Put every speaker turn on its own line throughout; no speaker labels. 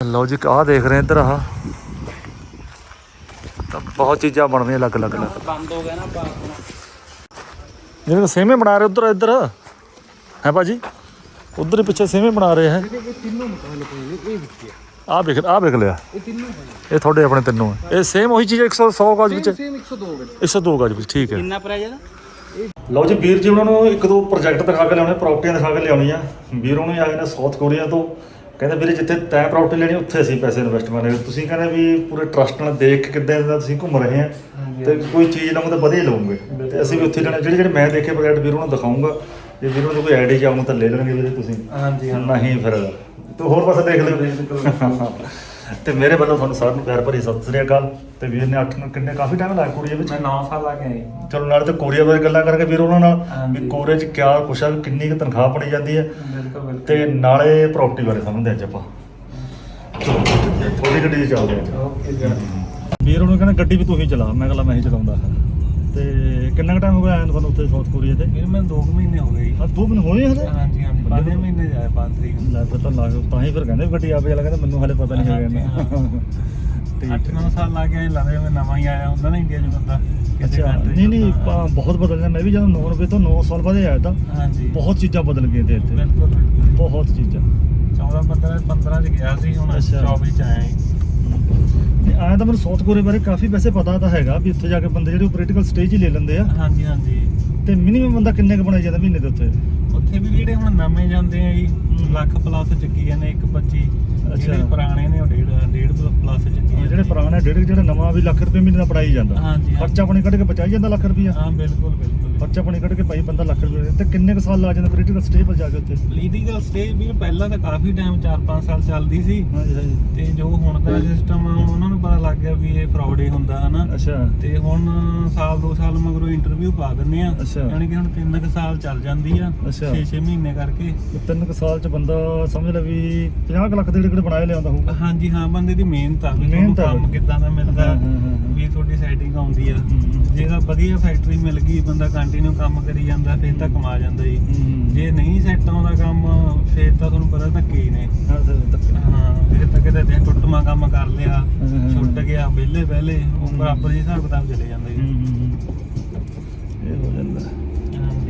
लो जी आ देख रहे हैं इधर आह बहुत चीज़ा बन रही अलग अलग
बंद हो गया ना
जिन्हें सेमे बना रहे उधर इधर है भाजी उधर ही पीछे सेमे बना रहे हैं आ देख लिया ये थोड़े अपने तीनों है ये सेम वही चीज़ 100 गज 102 गज ठीक है लो जी वीर जी उन्होंने एक दो प्रोजेक्ट दिखा के लिया प्रॉपर्टियां दिखा के लिया वीर उन्होंने आए ने साउथ कोरिया तो ਕਹਿੰਦੇ ਵੀਰੇ ਜਿੱਥੇ ਤੈਂ ਪ੍ਰਾਪਰਟੀ ਲੈਣੀ ਉੱਥੇ ਅਸੀਂ ਪੈਸੇ ਇਨਵੈਸਟ ਕਰਨੇ ਤੁਸੀਂ ਕਹਿੰਦੇ ਵੀ ਪੂਰੇ ਟਰਸਟ ਨਾਲ ਦੇਖ ਕੇ ਕਿੱਦਾਂ ਦਾ ਤੁਸੀਂ ਘੁੰਮ ਰਹੇ ਆ ਤੇ ਕੋਈ ਚੀਜ਼ ਲਵਾਂਗੇ ਤਾਂ ਵਧੀਆ ਲਵਾਂਗੇ ਤੇ ਅਸੀਂ ਵੀ ਉੱਥੇ ਲੈਣਾ ਜਿਹੜੇ ਮੈਂ ਦੇਖੇ ਪ੍ਰੋਜੈਕਟ ਵੀਰ ਉਹਨਾਂ ਨੂੰ ਦਿਖਾਉਂਗਾ ਜੇ ਵੀਰ ਉਹਨਾਂ ਕੋਈ ਆਈਡੀ ਚਾਹੂੰ ਤਾਂ ਲੈ ਲੈਣਗੇ ਵੀਰੇ ਤੁਸੀਂ
ਹਾਂਜੀ
ਨਹੀਂ ਫਿਰ ਤੂੰ ਹੋਰ ਪਾਸੇ ਦੇਖ ਲਿਓ ਤੇ ਮੇਰੇ ਵੱਲੋਂ ਤੁਹਾਨੂੰ ਸਾਰਿਆਂ ਨੂੰ ਪਿਆਰ ਭਰੀ ਸਤਿ ਸ੍ਰੀ ਅਕਾਲ ਤੇ ਵੀਰ ਨੇ 8 ਕਿੰਨੇ ਕਾਫੀ ਟਾਈਮ ਲਾਇਆ ਕੋਰੀਆ ਵਿੱਚ
ਮੈਂ 9 ਸਾਲ ਲਾ ਕੇ ਆਈ
ਚਲੋ ਨਾਲ ਤੇ ਕੋਰੀਆ ਬਾਰੇ ਗੱਲਾਂ ਕਰਕੇ ਵੀਰ ਉਹਨਾਂ ਨਾਲ ਵੀ ਕੋਰੀਆ 'ਚ ਕਿਆ ਕੁਛ ਆ ਕਿੰਨੀ ਕੁ ਤਨਖਾਹ ਬਣੀ ਜਾਂਦੀ ਹੈ ਤੇ ਨਾਲੇ ਪ੍ਰਾਪਰਟੀ ਬਾਰੇ ਸਮਝਦੇ ਅੱਜ ਆਪਾਂ ਥੋੜੀ ਗੱਡੀ 'ਚ ਚੱਲਦੇ ਆ
ਓਕੇ
ਵੀਰ ਉਹਨੂੰ ਕਹਿੰਦਾ ਗੱਡੀ ਵੀ ਤੂੰ ਹੀ ਚਲਾ ਮੈਂ ਕਹਿੰਦਾ ਮੈਂ ਹੀ ਚਲਾਉਂਦਾ ਤੇ ਕਿੰਨਾ ਕੁ ਟਾਈਮ ਹੋ ਗਿਆ ਆਇਆ ਤੁਹਾਨੂੰ ਉੱਥੇ ਸਾਊਥ ਕੋਰੀਆ ਤੇ
ਵੀਰ ਮੈਂ 2 ਮਹੀਨੇ ਹੋ ਗਏ
2 ਮਹੀਨੇ ਹੋਏ ਹਲੇ
ਹਾਂਜੀ 5 ਮਹੀਨੇ ਜਾਏ 5 ਤਰੀਕ
ਲੈ ਫਿਰ ਤਾਂ ਲੱਗ ਤਾਂ ਹੀ ਫਿਰ ਕਹਿੰਦੇ ਗੱਡੀ ਆਪੇ ਵਾਲਾ ਕਹਿੰਦਾ ਮੈਨੂੰ ਹਲੇ ਪਤਾ ਨਹੀਂ ਹੈਗਾ
ਤੇ 8-9 ਸਾਲ ਲਾ ਕੇ ਆਏ ਲੱਗਦਾ ਮੈਂ ਨਵਾਂ ਹੀ ਆਇਆ ਹੁੰਦਾ ਨਾ ਇੰਡੀਆ 'ਚ ਬੰਦਾ
ਅੱਛਾ ਨਹੀਂ ਬਹੁਤ ਬਦਲ ਗਿਆ ਮੈਂ ਵੀ ਜਦੋਂ 9 ਰੁਪਏ ਤੋਂ 9 ਸਾਲ ਬਾਅਦ ਆਇਆ ਤਾਂ
ਹਾਂਜੀ
ਬਹੁਤ ਚੀਜ਼ਾਂ ਬਦਲ ਗਈਆਂ ਤੇ ਇੱਥੇ
ਬਿਲਕੁਲ
ਬਹੁਤ ਚੀਜ਼ਾਂ
14-15 'ਚ ਗਿਆ ਸੀ ਹੁਣ 24 'ਚ ਆਇਆ
ਆਇਆ ਤਾਂ ਮੈਨੂੰ ਸਾਊਥ ਕੋਰੀਆ ਬਾਰੇ ਕਾਫੀ ਵੈਸੇ ਪਤਾ ਤਾਂ ਹੈਗਾ ਵੀ ਉੱਥੇ ਜਾ ਕੇ ਬੰਦੇ ਜਿਹੜੇ ਪੋਲੀਟੀਕਲ ਸਟੇਜ ਹੀ ਲੈ ਲੈਂਦੇ ਆ
ਹਾਂਜੀ ਹਾਂਜੀ
ਤੇ ਮਿਨੀਮਮ ਬੰਦਾ ਕਿੰਨੇ ਕੁ ਬਣਾਈ ਜਾਂਦਾ ਮਹੀਨੇ ਦੇ ਉੱਤੇ
ਉੱਥੇ ਵੀ ਜਿਹੜੇ ਹੁਣ ਨਵੇਂ ਜਾਂਦੇ ਆ ਜੀ ਲੱਖ ਪਲੱਸ ਚੱਕੀ ਜਾਂਦੇ 1.25 ਜਿਹੜੇ ਪੁਰਾਣੇ ਨੇ ਉਹ 1.5 ਪਲੱਸ ਚੱਕੀ
ਜਿਹੜੇ ਪੁਰਾਣੇ ਡੇਢ ਜਿਹੜਾ ਨਵਾਂ ਵੀ ਲੱਖ ਰੁਪਏ ਮਹੀਨੇ ਦਾ ਪੜਾਈ ਜਾਂਦਾ
ਹਾਂਜੀ
ਖਰਚਾ ਪਾਣੀ ਕੱਢ ਕੇ ਬਚਾਈ ਜਾਂਦਾ ਲੱਖ ਰੁਪਈਆ
ਹਾਂ ਬਿਲਕੁਲ
ਖਰਚਾ ਪਾਣੀ ਕੱਢ ਕੇ ਭਾਈ ਬੰਦਾ ਲੱਖ ਰੁਪਏ ਤੇ ਕਿੰਨੇ ਕੁ ਸਾਲ ਲਾ ਜਾਂਦਾ ਪੋਲੀਟੀਕਲ ਸਟੇਜ ਪਰ ਜਾ ਕੇ ਉੱਥੇ
ਪੋਲੀਟੀਕਲ ਸਟੇਜ ਵੀ ਪਹਿਲਾਂ ਤਾਂ ਕਾਫੀ ਟਾਈਮ 4-5 ਸਾਲ ਚੱਲਦੀ ਸੀ
ਹਾਂਜੀ ਹਾਂਜੀ
ਤੇ ਜੋ ਹੁਣ ਦਾ ਸਿਸਟਮ ਆ ਹੁਣ ਉਹਨਾਂ ਨੂੰ ਪਤਾ ਲੱਗ ਗਿਆ ਵੀ ਇਹ ਫਰਾਡ ਹੀ ਹੁੰਦਾ ਹਨਾ
ਅੱਛਾ
ਤੇ ਹੁਣ ਸਾਲ 2 ਸਾਲ ਮਗਰੋਂ ਇੰਟਰਵਿਊ ਪਾ ਦਿੰਦੇ ਆ
ਅੱਛਾ
ਯਾਨੀ ਕਿ ਹੁਣ 3 ਸਾਲ ਚੱਲ ਜਾਂਦੀ ਆ
ਅੱਛਾ
6 ਮਹੀਨੇ ਕਰਕੇ
3 ਸਾਲ ਚ ਬੰਦਾ ਸਮਝ ਲੈ ਵੀ 50 ਲੱਖ ਦੇ ਜਿਹੜੇ ਬਣਾਏ ਲਿਆਉਂਦਾ ਹੋਊਗਾ
ਹਾਂਜੀ ਹਾਂ ਬੰਦੇ ਦੀ ਮਿਹਨਤ ਆ ਵੀ
ਮਿਹਨਤ ਆ।
ਕੰਮ ਕਿੱਦਾਂ ਦਾ ਮਿਲਦਾ ਵੀ ਤੁਹਾਡੀ ਸੈਟਿੰਗ ਆਉਂਦੀ ਆ ਜੇ ਤਾਂ ਵਧੀਆ ਫੈਕਟਰੀ ਮਿਲ ਗਈ ਬੰਦਾ ਕੰਟੀਨਿਊ ਕੰਮ ਕਰੀ ਜਾਂਦਾ ਫਿਰ ਤਾਂ ਕਮਾ ਜਾਂਦਾ ਜੀ ਜੇ ਨਹੀਂ ਸੈੱਟ ਆਉਂਦਾ ਕੰਮ ਫਿਰ ਤਾਂ ਤੁਹਾਨੂੰ ਪਤਾ ਧੱਕੇ ਹੀ ਨੇ ਹਾਂ ਫਿਰ ਤਾਂ ਕਿਤੇ ਦਿਨ ਟੁੱਟਮਾ ਕੰਮ ਕਰ ਲਿਆ ਛੁੱਟ ਗਿਆ ਵਿਹਲੇ ਉਹ ਬਰਾਬਰ ਹੀ ਹਿਸਾਬ ਕਿਤਾਬ ਚਲੇ ਜਾਂਦਾ ਜੀ
ਇਹ ਹੋ ਜਾਂਦਾ
ਹਾਂਜੀ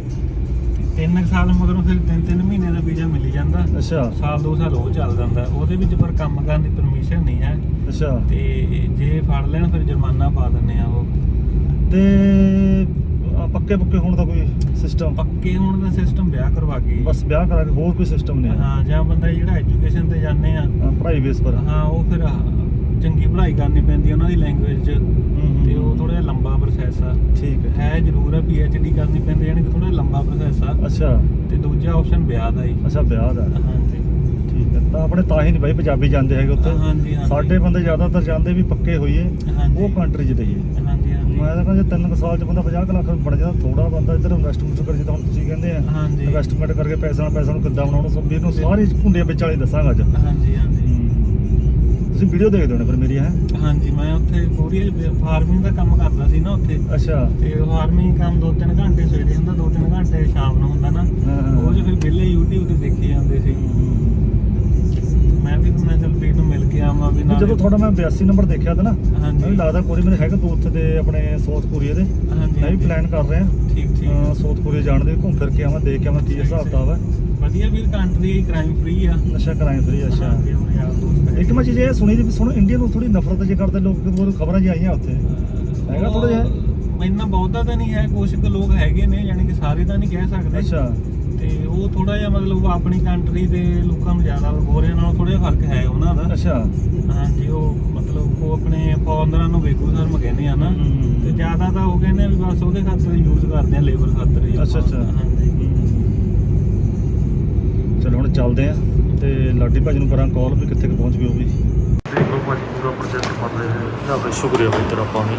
3 ਸਾਲ ਮਗਰੋਂ ਫਿਰ 3 ਮਹੀਨੇ ਦਾ ਵੀਜ਼ਾ ਮਿਲ ਜਾਂਦਾ
ਅੱਛਾ
ਸਾਲ 2 ਸਾਲ ਉਹ ਚੱਲ ਜਾਂਦਾ ਉਹਦੇ ਵਿੱਚ ਪਰ ਕੰਮ ਕਰਨ ਦੀ ਪਰਮਿਸ਼ਨ ਨਹੀਂ ਹੈ
ਅੱਛਾ
ਤੇ ਜੇ ਫੜ ਲੈਣ ਫਿਰ ਜੁਰਮਾਨਾ ਪਾ ਦਿੰਦੇ ਆ ਉਹ
ਤੇ ਪੱਕੇ ਹੋਣ ਦਾ ਕੋਈ ਸਿਸਟਮ
ਪੱਕੇ ਹੋਣ ਦਾ ਸਿਸਟਮ ਵਿਆਹ ਕਰਵਾ ਕੇ
ਬਸ ਵਿਆਹ ਕਰਾ ਕੇ ਹੋਰ ਕੋਈ ਸਿਸਟਮ ਨਹੀਂ
ਹਾਂ ਜਾਂ ਬੰਦਾ ਜਿਹੜਾ ਐਜੂਕੇਸ਼ਨ ਤੇ ਜਾਂਦੇ ਆ
ਪੜ੍ਹਾਈ ਬੇਸ ਪਰ
ਹਾਂ ਉਹ ਫਿਰ ਚੰਗੀ ਪੜ੍ਹਾਈ ਕਰਨੀ ਪੈਂਦੀ ਉਹਨਾਂ ਦੀ ਲੈਂਗੁਏਜ 'ਚ ਤੇ ਉਹ ਥੋੜਾ ਜਿਹਾ ਲੰਬਾ ਪ੍ਰੋਸੈਸ ਆ
ਠੀਕ
ਹੈ ਜ਼ਰੂਰ ਆ PhD ਕਰਨੀ ਪੈਂਦੀ ਯਾਨੀ ਕਿ ਥੋੜਾ ਲੰਬਾ ਪ੍ਰੋਸੈਸ ਆ
ਅੱਛਾ
ਤੇ ਦੂਜਾ ਆਪਸ਼ਨ ਵਿਆਹ ਦਾ ਹੀ
ਅੱਛਾ ਵਿਆਹ ਦਾ
ਹਾਂਜੀ
ਠੀਕ ਹੈ ਤਾਂ ਆਪਣੇ ਤਾਂ ਹੀ ਨਹੀਂ ਬਾਈ ਪੰਜਾਬੀ ਜਾਂਦੇ ਹੈਗੇ ਉੱਥੇ
ਹਾਂਜੀ
ਸਾਡੇ ਬੰਦੇ ਜ਼ਿਆਦਾਤਰ ਜਾਂਦੇ ਵੀ ਪੱਕੇ ਹੋਈਏ ਉਹ ਕੰਟਰੀ 'ਚ ਰਹੀਏ
ਹਾਂਜੀ
ਮੈਂ ਤਾਂ ਕਹਿੰਦਾ ਜੇ 3 ਸਾਲ 'ਚ ਬੰਦਾ 50 ਲੱਖ ਬਣ ਜਾਂਦਾ ਥੋੜਾ ਬੰਦਾ ਇੱਧਰ ਇਨਵੈਸਟਮੈਂਟ ਕਰ ਜਿੱਦਾਂ ਹੁਣ ਤੁਸੀਂ ਕਹਿੰਦੇ ਆ
ਹਾਂਜੀ
ਇਨਵੈਸਟਮੈਂਟ ਕਰਕੇ ਪੈਸਾ ਨੂੰ ਕਿੱਦਾਂ ਬਣਾਉਣਾ ਸਭ ਵੀਰ ਨੂੰ ਸਾਰੀ ਘੁੰਡੀਆਂ ਵਿੱਚ ਵਾਲੀ ਦੱਸਾਂਗਾ ਅੱਜ
ਹਾਂਜੀ
ਤੁਸੀਂ ਵੀਡੀਓ ਦੇਖਦੇ ਹੋਣੇ ਫਿਰ ਮੇਰੀ ਹੈ
ਹਾਂਜੀ ਮੈਂ ਉੱਥੇ ਕੋਰੀਆ ਫਾਰਮਿੰਗ ਦਾ ਕੰਮ ਕਰਦਾ ਸੀ ਨਾ ਉੱਥੇ
ਅੱਛਾ
ਤੇ ਫਾਰਮਿੰਗ ਕੰਮ 2-3 ਘੰਟੇ ਸਵੇਰੇ ਹੁੰਦਾ 2-3 ਘੰਟੇ ਸ਼ਾਮ ਨੂੰ ਹੁੰਦਾ ਨਾ ਉਹ ਜੇ ਫਿਰ ਵਿਹਲੇ YouTube ਤੇ ਦੇਖੇ ਜਾਂਦੇ ਸੀ ਮੈਂ ਵੀ ਮੈਂ ਚਲ ਵੀਰ ਨੂੰ ਮਿਲ ਕੇ ਆਵਾਂ ਵੀ ਨਾਲ
ਜਦੋਂ ਤੁਹਾਡਾ ਮੈਂ 82 ਨੰਬਰ ਦੇਖਿਆ ਤਾਂ ਨਾ
ਹਾਂਜੀ
ਮੈਨੂੰ ਲੱਗਦਾ ਕੋਰੀਆ ਮੇਰੇ ਹੈਗਾ ਦੋਸਤ ਦੇ ਆਪਣੇ ਸਾਊਥ ਕੋਰੀਆ ਦੇ
ਹਾਂਜੀ
ਮੈਂ ਵੀ ਪਲਾਨ ਕਰ ਰਿਹਾ
ਠੀਕ
ਸਾਊਥ ਕੋਰੀਆ ਜਾਣ ਦੇ ਘੁੰਮ ਫਿਰ ਕੇ ਆਵਾਂ ਦੇਖ ਕੇ ਆਵਾਂ ਕੀ ਹਿਸਾਬ ਕਿਤਾਬ ਹੈ
ਵਧੀਆ ਵੀਰ ਕੰਟਰੀ ਕ੍ਰਾਈਮ ਫ੍ਰੀ ਆ
ਨਸ਼ਾ ਕਰਾਈ ਫਰੀ ਅੱਛਾ
ਹਾਂਜੀ ਉਹ ਯਾਰ ਦੋਸਤ
ਇੱਕ ਮੈਂ ਚੀਜ਼ ਇਹ ਸੁਣੀ ਸੀ ਸੁਣੋ ਇੰਡੀਆ ਨੂੰ ਥੋੜੀ ਨਫ਼ਰਤ ਜੇ ਕਰਦੇ ਲੋਕ ਕਿਦੋਂ ਖਬਰਾਂ ਜੀ ਆਈਆਂ ਉੱਥੇ ਹੈਗਾ ਥੋੜਾ ਜਿਹਾ
ਇੰਨਾ ਬਹੁਤਾ ਤਾਂ ਨਹੀਂ ਹੈ ਕੁਝ ਕੁ ਲੋਕ ਹੈਗੇ ਨੇ ਯਾਨੀ ਕਿ ਸਾਰੇ ਤਾਂ ਨਹੀਂ ਕਹਿ ਸਕਦੇ
ਅੱਛਾ
ਤੇ ਉਹ ਥੋੜਾ ਜਿਹਾ ਮਤਲਬ ਆਪਣੀ ਕੰਟਰੀ ਦੇ ਲੋਕਾਂ ਨੂੰ ਜ਼ਿਆਦਾ ਗੋਰਿਆਂ ਨਾਲੋਂ ਥੋੜਾ ਜਿਹਾ ਫਰਕ ਹੈ ਉਹਨਾਂ ਦਾ
ਅੱਛਾ
ਹਾਂਜੀ ਉਹ ਮਤਲਬ ਉਹ ਆਪਣੇ ਫੋਰਨਰਾਂ ਨੂੰ ਬੇਗੁਜ਼ਾਰ ਕਹਿੰਦੇ ਆ ਨਾ ਤੇ ਜ਼ਿਆਦਾ ਤਾਂ ਉਹ ਕਹਿੰਦੇ ਆ ਵੀ ਬਸ ਉਹਦੇ ਖਾਤਰ ਯੂਜ਼ ਕਰਦੇ ਆ ਲੇਬਰ ਖਾਤਰ ਹੀ
ਅੱਛਾ
ਹਾਂਜੀ
ਚਲੋ ਹੁਣ ਚੱਲਦੇ ਆ ਤੇ ਲਾਡੀ ਭਾਜੀ ਨੂੰ ਕਰਾਂ ਕਾਲ ਵੀ ਕਿੱਥੇ ਪਹੁੰਚ ਗਏ ਉਹ ਵੀ ਦੇਖੋ ਭਾਜੀ ਪੂਰਾ ਪ੍ਰੋਜੈਕਟ ਬਣ ਰਿਹਾ ਹੈ ਨਾ ਬਈ ਸ਼ੁਕਰੀਆ ਬਈ ਤੇਰਾ ਪਾਣੀ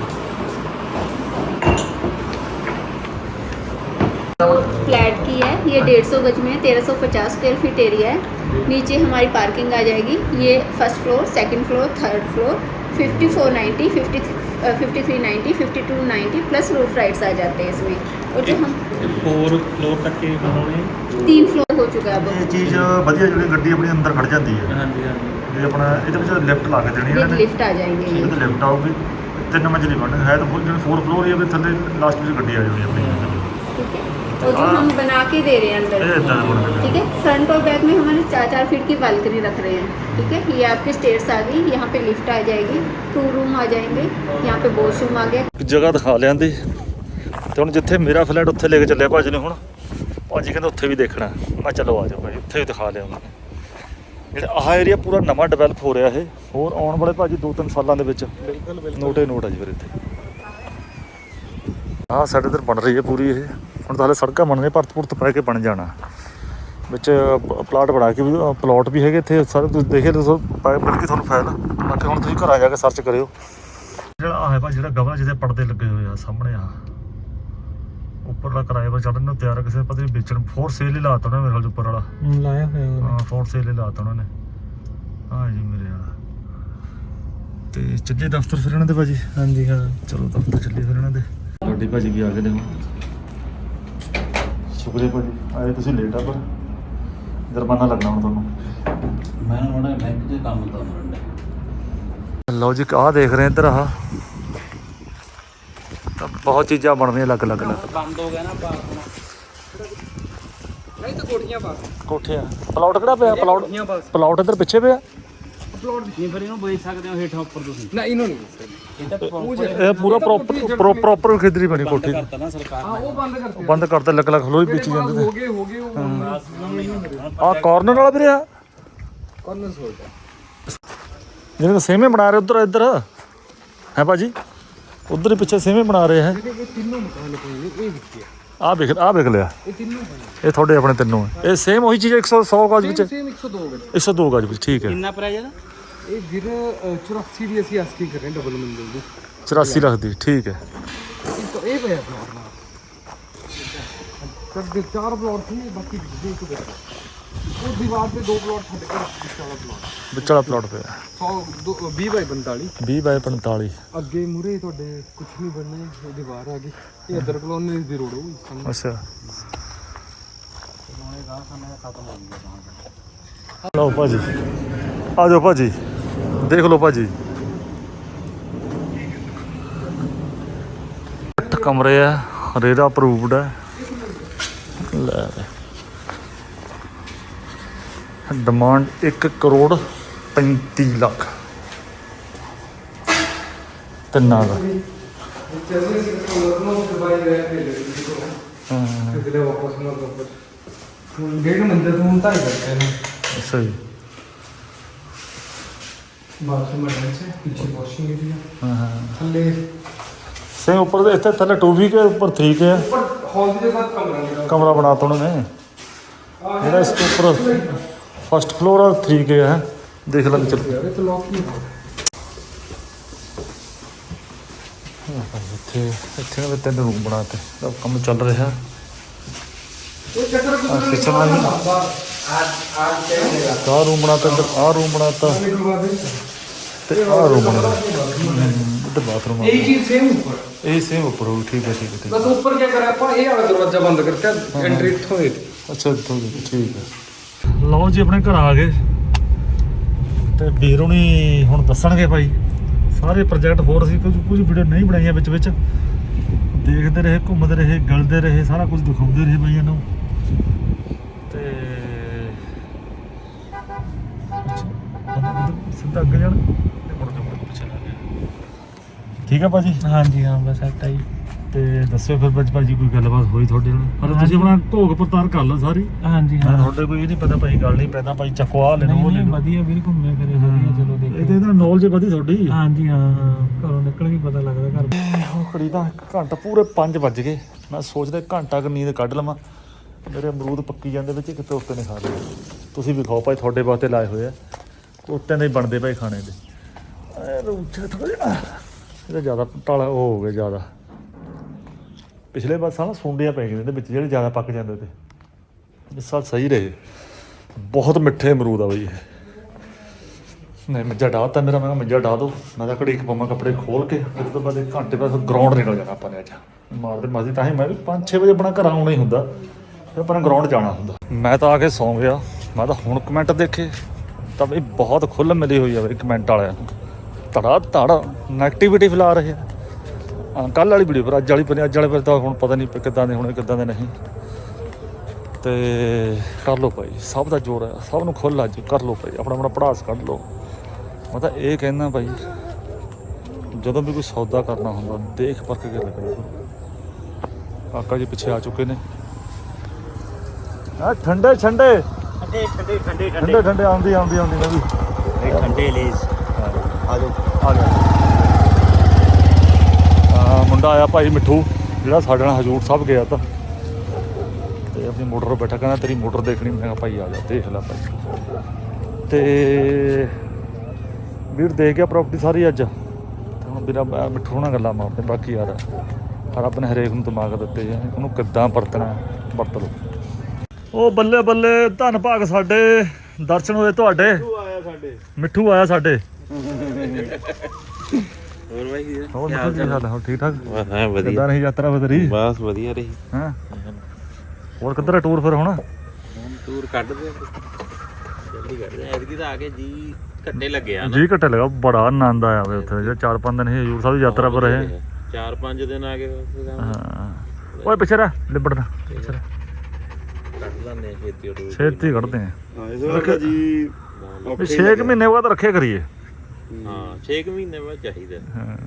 फ्लैट की है ये 150 गज में 1350 स्क्वायर फीट एरिया है नीचे हमारी पार्किंग आ जाएगी ये first floor second floor third floor 5490 5390 5290 plus roof rights आ जाते हैं इसमें और जो हम
4 फ्लोर तक के बनाने
3 फ्लोर हो चुका है अब
ਇਹ ਚੀਜ਼ ਵਧੀਆ ਜਿਹੜੀ ਗੱਡੀ ਆਪਣੀ ਅੰਦਰ ਖੜ ਜਾਂਦੀ ਹੈ
ਹਾਂਜੀ ਹਾਂਜੀ
ਇਹ ਆਪਣਾ ਇਹਦੇ ਵਿੱਚ ਲਿਫਟ ਲਾ ਕੇ ਦੇਣੀ
ये
ਇਹਨਾਂ ਨੇ
लिफ्ट आ जाएंगे ये।
ਇਹਦੇ ਲਿਫਟ ਆਊਗੀ 3 ਮੰਜ਼ਲੀ ਬਣ ਹੈ ਤਾਂ ਜਿਵੇਂ 4 ਫਲੋਰ ਹੀ ਆ ਵੀ ਥੱਲੇ ਲਾਸਟ ਵਿੱਚ ਗੱਡੀ ਆ ਜਾਣੀ ਆਪਣੀ
ठीक है, और जो हम बना के दे रहे हैं
ਇਹ
अंदर,
ਇਦਾਂ ਦਾ ਬਣ
ठीक है, फ्रंट और बैक में हमारे 4-4 फीट की बालकनी रख रहे हैं। ठीक है, ये आपके स्टेयर्स आ गई, यहाँ पे लिफ्ट आ जाएगी, 2 रूम आ जाएंगे, यहाँ पे वॉशरूम आ गया।
ਜਗ੍ਹਾ ਦਿਖਾ ਲਿਆਂਦੀ ਤੇ ਹੁਣ ਜਿੱਥੇ ਮੇਰਾ ਫਲੈਟ ਉੱਥੇ ਲੈ ਕੇ ਚੱਲਿਆ ਭਾਜੀ ਨੇ ਹੁਣ ਭਾਜੀ ਕਹਿੰਦੇ ਉੱਥੇ ਵੀ ਦੇਖਣਾ ਮੈਂ ਚਲੋ ਆ ਜਾਓ ਭਾਜੀ ਉੱਥੇ ਵੀ ਦਿਖਾ ਲਿਆ ਉਹਨਾਂ ਨੇ ਜਿਹੜਾ ਆਹ ਏਰੀਆ ਪੂਰਾ ਨਵਾਂ ਡਿਵੈਲਪ ਹੋ ਰਿਹਾ ਇਹ ਹੋਰ ਆਉਣ ਵਾਲੇ ਭਾਜੀ 2-3 ਸਾਲਾਂ ਦੇ ਵਿੱਚ ਨੋਟ ਹੀ ਨੋਟ ਆ ਜੀ ਫਿਰ ਇੱਥੇ ਆਹ ਸਾਡੇ ਇੱਧਰ ਬਣ ਰਹੀ ਹੈ ਪੂਰੀ ਇਹ ਹੁਣ ਤਾਂ ਹਾਲੇ ਸੜਕਾਂ ਬਣ ਰਹੀਆਂ ਭਰਤ ਭੁਰਤ ਪੈ ਕੇ ਬਣ ਜਾਣਾ ਵਿੱਚ ਪਲਾਟ ਬਣਾ ਕੇ ਵੀ ਪਲਾਟ ਵੀ ਹੈਗੇ ਇੱਥੇ ਸਾਰੇ ਤੁਸੀਂ ਦੇਖੇ ਮਿਲ ਕੇ ਤੁਹਾਨੂੰ ਫਾਇਲ ਬਾਕੀ ਹੁਣ ਤੁਸੀਂ ਘਰਾਂ ਜਾ ਕੇ ਸਰਚ ਕਰਿਓ ਜਿਹੜਾ ਆਹ ਹੈ ਭਾਈ ਜਿਹੜਾ ਗਵਰ ਜਿਹਦੇ ਪਰਦੇ ਲੱਗੇ ਹੋਏ ਆ ਸਾਹਮਣੇ ਆ ਉੱਪਰਲਾ ਕਿਰਾਏ ਪਰ ਚੜਨ ਨੂੰ ਤਿਆਰ ਕਿਸੇ ਪਤਾ ਨਹੀਂ ਵੇਚਣ ਫੋਰ ਸੇਲ ਹੀ ਲਾਤਾ ਉਹਨਾਂ ਨੇ ਮੇਰੇ ਖਿਆਲ ਉੱਪਰ ਵਾਲਾ
ਲਾਇਆ ਹੋਇਆ
ਹਾਂ ਫੋਰ ਸੇਲ ਹੀ ਲਾਤਾ ਉਹਨਾਂ ਨੇ ਹਾਂ ਜੀ ਮੇਰੇ ਵਾਲਾ ਤੇ ਚੱਲੇ ਦਫ਼ਤਰ ਫਿਰ ਇਹਨਾਂ ਦੇ ਭਾਜੀ
ਹਾਂਜੀ ਹਾਂ
ਚਲੋ ਦਫ਼ਤਰ ਚੱਲੇ ਫਿਰ ਇਹਨਾਂ ਦੇ ਗੱਡੀ ਭਾਜੀ ਵੀ ਆ ਗਏ ਨੇ ਹੁਣ ਸ਼ੁਕਰੀਆ ਭਾਜੀ ਆਏ ਤੁਸੀਂ ਲੇਟ ਆ ਪਰ ਜੁਰਮਾਨਾ ਲੱਗਣਾ ਹੁਣ ਤੁਹਾਨੂੰ
ਮੈਂ ਹੁਣ ਬੈਂਕ 'ਚ ਕੰਮ ਤਾਂ ਕਰਦਾ
ਲਓ ਜੀ ਆਹ ਦੇਖ ਰਹੇ ਇੱਧਰ ਆਹ ਤਾਂ ਬਹੁਤ ਚੀਜ਼ਾਂ ਬਣ ਰਹੀਆਂ ਅਲੱਗ-ਅਲੱਗ
ਬੰਦ ਹੋ ਗਿਆ ਨਾ ਬਾਥਰੂਮ ਨਹੀਂ ਤਾਂ ਕੋਠੀਆਂ ਪਾ
ਕੋਠੇ ਆ ਪਲਾਟ ਕਿਹੜਾ ਪਿਆ ਪਲਾਟ ਇੱਧਰ ਪਿੱਛੇ ਪਿਆ
ਪਲਾਟ ਨਹੀਂ ਫਿਰ ਇਹਨੂੰ ਵੇਚ ਸਕਦੇ ਹੋ ਹੇਠਾਂ ਉੱਪਰ ਤੁਸੀਂ
ਨਾ ਇਹਨੂੰ ਨਹੀਂ
ਇਹ ਤਾਂ
ਇਹ ਪੂਰਾ ਪ੍ਰੋਪਰ ਖੇਦਰੀ ਬਣੀ ਕੋਠੀ ਦੀ
ਕਰਤਾ ਨਾ ਸਰਕਾਰ
ਹਾਂ ਉਹ ਬੰਦ ਕਰਤੇ
ਬੰਦ ਕਰਤੇ ਅਲੱਗ-ਅਲੱਗ ਖਲੋਈ ਵੇਚੀ ਜਾਂਦੇ
ਹੋ ਗਏ ਉਹ
ਆ ਕਾਰਨਰ ਵਾਲਾ ਵੀ ਰਿਹਾ
ਕਾਰਨਰ ਸੋਲਦਾ
ਜਿਹਨੇ ਸੇਮੇ ਬਣਾ ਰਹੇ ਉਧਰ ਇੱਧਰ ਹੈ ਭਾਜੀ ਉਧਰ ਹੀ ਪਿੱਛੇ ਸੇਮੇ ਬਣਾ ਰਹੇ ਹੈ
ਇਹ ਤਿੰਨੋਂ ਮਕਾਨ ਪਏ ਨੇ ਇਹ ਵਿੱਚੇ
ਆਹ ਵੇਖ ਲਿਆ
ਇਹ ਤਿੰਨੋਂ ਪਏ
ਇਹ ਤੁਹਾਡੇ ਆਪਣੇ ਤਿੰਨੋਂ ਹੈ ਇਹ ਸੇਮ ਉਹੀ ਚੀਜ਼ 100 ਗਜ ਵਿੱਚ
ਸੇਮ 102 ਗਜ
102 ਗਜ ਵਿੱਚ ਠੀਕ ਹੈ
ਕਿੰਨਾ ਪ੍ਰਾਈਸ ਇਹਦਾ
ਇਹ ਵੀਰ 84 ਦੀ ਅਸੀਂ ਆਸਕੀ ਕਰ ਰਹੇ ਡਬਲ ਮੰਜ਼ਿਲ ਦੀ
84 ਰੱਖਦੀ ਠੀਕ ਹੈ
ਇਹ ਪਿਆ ਆਪਣਾ ਤੱਕ ਦੇ 4 ਪਲਾਟ ਸੀ ਬਾਕੀ ਦੇ ਇੱਕ ਬਚਾ ਉਹ ਦੀਵਾਰ ਤੇ 2 ਪਲਾਟ ਛੱਡ ਕੇ
ਵਿੱਚ ਵਾਲਾ ਪਲਾਟ ਪਿਆ
20 ਬਾਈ 45
20 ਬਾਈ 45
ਅੱਗੇ ਮੂਰੇ ਤੁਹਾਡੇ ਕੁਝ ਨਹੀਂ ਬਣਨਾ ਇਹ ਦੀਵਾਰ ਆ ਗਈ ਇਹ ਅਦਰ ਕਲੋਨੀ ਦੀ ਰੋਡ ਹੋਊਗੀ
ਅੱਛਾ ਲਓ ਭਾਜੀ ਆ ਜਾਓ ਭਾਜੀ ਦੇਖ ਲਓ ਭਾਜੀ 8 ਕਮਰੇ ਆ ਰੇਰਾ ਅਪਰੂਵਡ ਹੈ ਲੈ ਡਿਮਾਂਡ 1 ਕਰੋੜ 35 ਲੱਖ ਤਿੰਨਾਂ ਦਾ
डेढ़ मंदिर तो हम ताई करते हैं
ਅੱਛਾ ਜੀ
बाथरूम अटैच है पीछे वॉशिंग एरिया
ਹਾਂ ਹਾਂ
थल्ले
ਸੇਮ ਉੱਪਰ ਦੇ ਇੱਥੇ ਥੱਲੇ 2 ਕੇ ਉੱਪਰ 3 ਕੇ ਹੈ
ऊपर हॉल के साथ कमरा लगा
ਕਮਰਾ ਬਣਾਤਾ ਉਹਨਾਂ ਨੇ ਜਿਹੜਾ ਇਸ ਤੋਂ ਉੱਪਰ ਫਸਟ ਫਲੋਰ ਆ 3 ਕੇ ਹੈ ਦੇਖ ਲੈ ਚੱਲ
है तो लॉक नहीं है
ਇੱਥੇ ਨੇ 3 ਰੂਮ ਬਣਾਤੇ ਤਾਂ ਕੰਮ ਚੱਲ ਰਿਹਾ
ये चक्कर कुछ
किचन में ही ਆਹ ਰੂਮ ਬਣਾਤਾ ਇੱਧਰ ਆਹ ਰੂਮ ਬਣਾਤਾ
निकलवा दे
ਤੇ ਆਹ ਰੂਮ ਬਣਾਤਾ ਇੱਧਰ ਬਾਥਰੂਮ ਆ
यही चीज सेम ऊपर
ਇਹ ਸੇਮ ਉੱਪਰ ਹੋ ਠੀਕ ਹੈ
बस ऊपर क्या करा अपन ये वाला दरवाजा बंद करके एंट्री इत्थों ही
ਅੱਛਾ ਇੱਥੋਂ ਦੀ, ਠੀਕ ਹੈ ਲਓ ਜੀ ਆਪਣੇ ਘਰ ਆ ਗਏ ਤੇ ਵੀਰ ਹੁਣੀ ਹੁਣ ਦੱਸਣਗੇ ਭਾਈ ਸਾਰੇ ਪ੍ਰੋਜੈਕਟ ਹੋਰ ਸੀ ਕੁਝ ਵੀਡੀਓ ਨਹੀਂ ਬਣਾਈਆਂ ਵਿੱਚ ਦੇਖਦੇ ਰਹੇ ਘੁੰਮਦੇ ਰਹੇ ਗਲਦੇ ਰਹੇ ਸਾਰਾ ਕੁਝ ਦਿਖਾਉਂਦੇ ਰਹੇ ਭਾਈਆਂ ਨੂੰ ਤੇ ਸਿੱਧਾ ਅੱਗੇ ਜਾਣ ਮੁੜ ਕੇ ਪਿੱਛੇ ਲੱਗ ਗਿਆ ਠੀਕ ਹੈ ਭਾਜੀ
ਹਾਂਜੀ ਹਾਂ ਬਸ ਸੈਟ ਆਈ
ਤੇ ਦੱਸਿਓ ਫਿਰ ਭਾਜੀ ਕੋਈ ਗੱਲਬਾਤ ਹੋਈ ਤੁਹਾਡੇ ਨਾਲ ਪਰ ਤੁਸੀਂ ਆਪਣਾ ਢੋਕ ਪੜਤਾਲ ਕਰ ਲਓ ਸਾਰੀ
ਹਾਂਜੀ
ਮੈਂ
ਹਾਂ
ਤੁਹਾਡੇ ਕੋਈ ਇਹ ਨਹੀਂ ਪਤਾ ਭਾਈ ਗੱਲ ਨਹੀਂ ਪੈਦਾ ਭਾਈ ਚੱਕੋ ਆ ਲੈਣੋ ਉਹ
ਨਹੀਂ
ਲੈਣੋ
ਵਧੀਆ ਵੀਰ ਘੁੰਮੇ ਫਿਰੇ ਵਧੀਆ ਚਲੋ ਦੇਖੇ
ਇਹਦੇ ਨਾਲ ਨੌਲੇਜ ਵਧੀ ਤੁਹਾਡੀ
ਹਾਂਜੀ ਹਾਂ ਘਰੋਂ ਨਿਕਲ ਕੇ ਪਤਾ ਲੱਗਦਾ ਘਰ
ਹੁਣ ਘੜੀ ਦਾ 1 ਘੰਟਾ ਪੂਰੇ 5 ਵੱਜ ਗਏ ਮੈਂ ਸੋਚਦਾ ਘੰਟਾ ਕੁ ਨੀਂਦ ਕੱਢ ਲਵਾਂ ਮੇਰੇ ਅਮਰੂਦ ਪੱਕੀ ਜਾਂਦੇ ਵਿੱਚ ਕਿਤੇ ਉੱਤੇ ਨਹੀਂ ਖਾ ਰਹੇ ਤੁਸੀਂ ਵੀ ਖਾਓ ਭਾਈ ਤੁਹਾਡੇ ਵਾਸਤੇ ਲਾਏ ਹੋਏ ਆ ਉੱਤੇ ਦੇ ਹੀ ਬਣਦੇ ਭਾਈ ਖਾਣੇ ਦੇ ਰੂਚਾ ਥੋੜਾ ਜਿਹਾ ਇਹਦਾ ਜ਼ਿਆਦਾ ਟਾਲਾ ਉਹ ਹੋ ਗਿਆ ਜ਼ਿਆਦਾ ਪਿਛਲੇ ਵਾਰ ਸਾਲ ਸੁੰਡੀਆਂ ਪੈ ਗਈਆਂ ਇਹਦੇ ਵਿੱਚ ਜਿਹੜੇ ਜ਼ਿਆਦਾ ਪੱਕ ਜਾਂਦੇ ਤੇ ਇਸ ਸਾਲ ਸਹੀ ਰਹੇ ਬਹੁਤ ਮਿੱਠੇ ਅਮਰੂਦ ਆ ਬਈ ਇਹ ਨਹੀਂ ਮੰਜਾ ਡਾਹਤਾ ਮੇਰਾ ਮੈਂ ਕਿਹਾ ਮੰਜਾ ਡਾਹ ਦੋ ਮੈਂ ਤਾਂ ਘੜੀ ਪਾਵਾਂ ਕੱਪੜੇ ਖੋਲ ਕੇ ਉਸ ਤੋਂ ਬਾਅਦ 1 ਘੰਟੇ ਬਾਅਦ ਗਰਾਊਂਡ ਨਿਕਲ ਜਾਣਾ ਆਪਾਂ ਨੇ ਅੱਜ ਮਾਰਦੇ ਮਾਰਦੇ ਤਾਂ ਹੀ ਮੈਂ ਵੀ 5-6 ਵਜੇ ਆਪਣਾ ਘਰ ਆਉਣਾ ਹੀ ਹੁੰਦਾ ਫਿਰ ਆਪਾਂ ਨੇ ਗਰਾਊਂਡ ਜਾਣਾ ਹੁੰਦਾ ਮੈਂ ਤਾਂ ਆ ਕੇ ਸੌਂ ਗਿਆ ਮੈਂ ਤਾਂ ਹੁਣ ਕਮੈਂਟ ਦੇਖੇ ਤਾਂ ਬਈ ਬਹੁਤ ਖੁੱਲ੍ਹ ਮਿਲੀ ਹੋਈ ਆ ਬਈ ਕਮੈਂਟ ਵਾਲਿਆਂ ਨੂੰ, ਧੜਾ ਧੜ ਨੈਗੇਟਿਵਿਟੀ ਫੈਲਾ ਰਹੇ ਆ। ਕੱਲ੍ਹ ਵਾਲੀ ਵੀਡੀਓ ਪਰ ਅੱਜ ਵਾਲੇ ਪਰ ਤਾਂ ਹੁਣ ਪਤਾ ਨਹੀਂ ਕਿੱਦਾਂ ਦੇ ਹੋਣੇ ਕਿੱਦਾਂ ਦੇ ਨਹੀਂ। ਤੇ ਕਰ ਲਓ ਭਾਈ, ਸਭ ਦਾ ਜ਼ੋਰ ਹੈ, ਸਭ ਨੂੰ ਖੁੱਲ੍ਹ ਅੱਜ ਕਰ ਲਓ ਭਾਈ, ਆਪਣਾ ਪੜਾਸ ਕੱਢ ਲਓ। ਮੈਂ ਤਾਂ ਇਹ ਕਹਿੰਦਾ ਭਾਈ ਜਦੋਂ ਵੀ ਕੋਈ ਸੌਦਾ ਕਰਨਾ ਹੁੰਦਾ ਦੇਖ ਪਰਖ ਕੇ ਕਰੋ। ਕਾਕਾ ਜੀ ਪਿੱਛੇ ਆ ਚੁੱਕੇ ਨੇ। ਠੰਡੇ ਆਉਂਦੀ ਮੈਂ ਵੀ
ਠੰਡੇ ਲੇਸ
ਆ ਗਿਆ। ਮੁੰਡਾ ਆਇਆ ਭਾਈ ਮਿੱਠੂ, ਜਿਹੜਾ ਸਾਡੇ ਨਾਲ ਹਜੂਰ ਸਾਹਿਬ ਗਿਆ ਤਾਂ, ਤੇ ਆਪਣੀ ਮੋਟਰ 'ਤੇ ਬੈਠਾ, ਕਹਿੰਦਾ ਤੇਰੀ ਮੋਟਰ ਦੇਖਣੀ। ਮੈਂ ਕਿਹਾ ਭਾਈ ਆ ਜਾ ਦੇਖ ਲੈ ਭਾਈ। ਤੇ ਵੀਰ ਦੇਖ ਗਿਆ ਪ੍ਰਾਪਰਟੀ ਸਾਰੀ ਅੱਜ। ਤੇ ਹੁਣ ਵੀਰਾ ਮਿੱਠੂ ਨਾਲ ਗੱਲਾਂ ਮਾਰਦੇ। ਬਾਕੀ ਯਾਰ ਰੱਬ ਨੇ ਹਰੇਕ ਨੂੰ ਦਿਮਾਗ ਦਿੱਤੇ ਆ, ਉਹਨੂੰ ਕਿੱਦਾਂ ਵਰਤਣਾ ਵਰਤ ਲਓ। ਉਹ ਬੱਲੇ ਬੱਲੇ, ਧੰਨ ਭਾਗ ਸਾਡੇ ਦਰਸ਼ਨ ਹੋਏ ਤੁਹਾਡੇ। ਮਿੱਠੂ ਆਇਆ ਸਾਡੇ।
ਹੋਰ ਬਾਈ
ਹੋਰ ਮਿੱਠੂ ਕੀ ਹਾਲ ਹੈ? ਹੋਰ ਠੀਕ ਠਾਕ?
ਹਾਂ ਵਧੀਆ।
ਕਿੱਦਾਂ ਰਹੀ ਯਾਤਰਾ ਬਦਰੀ?
ਬਸ ਵਧੀਆ ਰਹੀ।
ਹਾਂ ਹੋਰ ਕਿੱਧਰ ਹੈ ਟੂਰ ਫਿਰ? ਹੁਣ
ਟੂਰ ਕੱਢਦੇ ਜਲਦੀ ਕੱਢਦੇ ਐਤਕੀ ਤਾਂ ਆ ਕੇ ਜੀ ਘੱਟੇ ਲੱਗਿਆ
ਜੀ ਘੱਟੇ ਲੱਗਾ। ਬੜਾ ਆਨੰਦ ਆਇਆ ਵੇ ਉੱਥੇ। ਜੇ 4-5 ਦਿਨ ਹਜ਼ੂਰ ਸਾਹਿਬ ਦੀ ਯਾਤਰਾ ਪਰ ਰਹੇ।
4-5 ਦਿਨ ਆ ਗਏ।
ਹਾਂ ਓਏ ਪਿੱਛੇ ਰਹਿ, ਲਿਬੜਨਾ ਪਿੱਛੇ ਰਹਿ।
ਕੱਢ ਲੈਂਦੇ ਛੇਤੀ
ਛੇਤੀ ਕੱਢਦੇ ਆ
ਜੀ।
6 ਮਹੀਨੇ ਬਾਅਦ ਰੱਖੇ ਕਰੀਏ।
ਹਾਂ 6 ਮਹੀਨੇ ਬਾਅਦ ਚਾਹੀਦਾ।
ਹਾਂ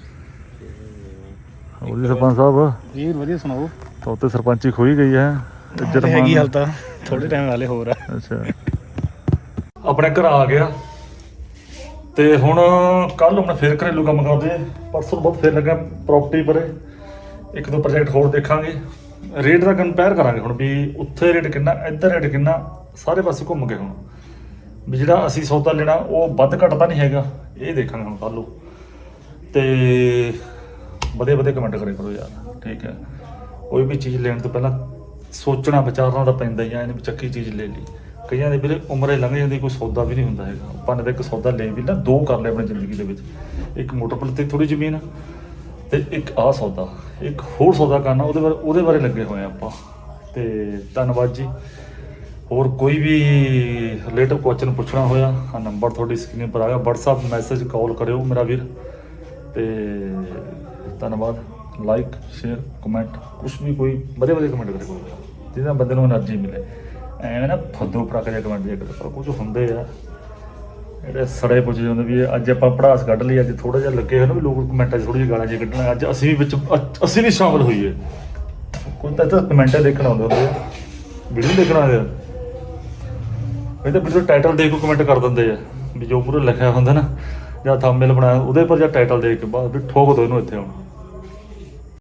ਹੋਰ ਜੀ ਸਰਪੰਚ ਸਾਹਿਬ
ਜੀ ਵਧੀਆ ਸੁਣਾਓ।
ਤਾਂ ਉੱਤੇ ਸਰਪੰਚੀ ਖੋਈ ਗਈ ਹੈ। ਇੱਜ਼ਤ
ਹੈਗੀ ਹਾਲ ਤਾਂ ਥੋੜੇ ਟਾਈਮ ਵਾਲੇ ਹੋਰ ਆ।
ਅੱਛਾ ਆਪਣੇ ਘਰ ਆ ਗਿਆ ਤੇ ਹੁਣ ਕੱਲ ਹੁਣ ਫਿਰ ਘਰੇਲੂ ਕੰਮ ਕਰਦੇ। ਪਰਸੋਂ ਬਹੁਤ ਫਿਰ ਲੱਗਾ ਪ੍ਰਾਪਰਟੀ ਪਰੇ। 1-2 ਪ੍ਰੋਜੈਕਟ ਹੋਰ ਦੇਖਾਂਗੇ। ਰੇਟ ਦਾ ਕੰਪੇਅਰ ਕਰਾਂਗੇ ਹੁਣ ਵੀ ਉੱਥੇ ਰੇਟ ਕਿੰਨਾ, ਇੱਧਰ ਰੇਟ ਕਿੰਨਾ, ਸਾਰੇ ਪਾਸੇ ਘੁੰਮ ਕੇ ਹੁਣ ਵੀ ਜਿਹੜਾ ਅਸੀਂ ਸੌਦਾ ਲੈਣਾ ਉਹ ਵੱਧ ਘੱਟ ਤਾਂ ਨਹੀਂ ਹੈਗਾ, ਇਹ ਦੇਖਾਂਗੇ ਹੁਣ ਕੱਲ੍ਹ ਨੂੰ। ਤੇ ਵਧੀਆ ਕਮੈਂਟ ਕਰਿਆ ਕਰੋ ਯਾਰ, ਠੀਕ ਹੈ। ਕੋਈ ਵੀ ਚੀਜ਼ ਲੈਣ ਤੋਂ ਪਹਿਲਾਂ ਸੋਚਣਾ ਵਿਚਾਰਨਾ ਤਾਂ ਪੈਂਦਾ ਹੀ ਆ। ਇਹਨੇ ਵੀ ਚੱਕੀ ਚੀਜ਼ ਲੈ ਲਈ। ਕਈਆਂ ਦੇ ਵੀਰੇ ਉਮਰੇ ਲੰਘ ਜਾਂਦੀ, ਕੋਈ ਸੌਦਾ ਵੀ ਨਹੀਂ ਹੁੰਦਾ ਹੈਗਾ। ਆਪਾਂ ਨੇ ਤਾਂ ਇੱਕ ਸੌਦਾ ਲੈ ਵੀ ਨਾ 2 ਕਰ ਲਏ ਆਪਣੀ ਜ਼ਿੰਦਗੀ ਦੇ ਵਿੱਚ। ਇੱਕ ਮੋਟਰ ਪਲ 'ਤੇ ਥੋੜ੍ਹੀ ਜ਼ਮੀਨ ਤੇ ਇੱਕ ਆਹ ਸੌਦਾ, ਇੱਕ ਹੋਰ ਸੌਦਾ ਕਰਨਾ, ਉਹਦੇ ਬਾਰੇ ਲੱਗੇ ਹੋਏ ਆ ਆਪਾਂ। ਤੇ ਧੰਨਵਾਦ ਜੀ। ਹੋਰ ਕੋਈ ਵੀ ਰਿਲੇਟਿਵ ਕੁਐਸਚਨ ਪੁੱਛਣਾ ਹੋਇਆ ਆ ਨੰਬਰ ਤੁਹਾਡੀ ਸਕਰੀਨ ਪਰ ਆ ਗਿਆ, WhatsApp ਮੈਸੇਜ ਕਾਲ ਕਰਿਓ ਮੇਰਾ ਵੀਰ। ਤੇ ਧੰਨਵਾਦ। ਲਾਈਕ ਸ਼ੇਅਰ ਕਮੈਂਟ ਕੁਛ ਵੀ ਕੋਈ ਵਧੀਆ ਕਮੈਂਟ ਕਰਿਓ ਜਿਹਦੇ ਨਾਲ ਬੰਦੇ ਨੂੰ ਐਨਰਜੀ ਮਿਲੇ। ਐਵੇਂ ਨਾ ਫੱਦੋ ਫੜਕ ਜਿਹਾ ਕਮੈਂਟ ਜੇ ਕਰੋ। ਕੁਝ ਹੁੰਦੇ ਆ ਜਿਹੜੇ ਸੜੇ ਪੁੱਛ ਜਾਂਦੇ ਵੀ ਅੱਜ ਆਪਾਂ ਪੜਾਸ ਕੱਢ ਲਈ, ਅੱਜ ਥੋੜ੍ਹਾ ਜਿਹਾ ਲੱਗੇ ਹੋਏ ਨਾ ਵੀ ਲੋਕ ਕਮੈਂਟਾਂ 'ਚ ਥੋੜ੍ਹੀ ਜਿਹੀ ਗਾਲਾਂ ਜਿਹੀਆਂ ਕੱਢਣਾ। ਅੱਜ ਅਸੀਂ ਵੀ ਅਸੀਂ ਵੀ ਸ਼ਾਮਲ ਹੋਈਏ। ਕੋਈ ਤਾਂ ਕਮੈਂਟ ਦੇਖਣਾ ਆਉਂਦੇ ਹੁੰਦੇ ਆ, ਵੀਡੀਓ ਦੇਖਣਾ ਆਉਂਦੇ ਆ। ਇਹ ਤਾਂ ਵੀਡੀਓ ਟਾਈਟਲ ਦੇਖ ਕੇ ਕਮੈਂਟ ਕਰ ਦਿੰਦੇ ਆ ਵੀ ਜੋ ਮੂਹਰੇ ਲਿਖਿਆ ਹੁੰਦਾ ਨਾ ਜਾਂ ਥੰਬਨੇਲ ਬਣਾਇਆ ਉਹਦੇ ਪਰ ਜਾਂ ਟਾਈਟਲ ਦੇਖ ਕੇ ਬਾਅਦ ਵੀ ਠੋਕ ਦੋ ਇਹਨੂੰ ਇੱਥੇ ਹੁਣ।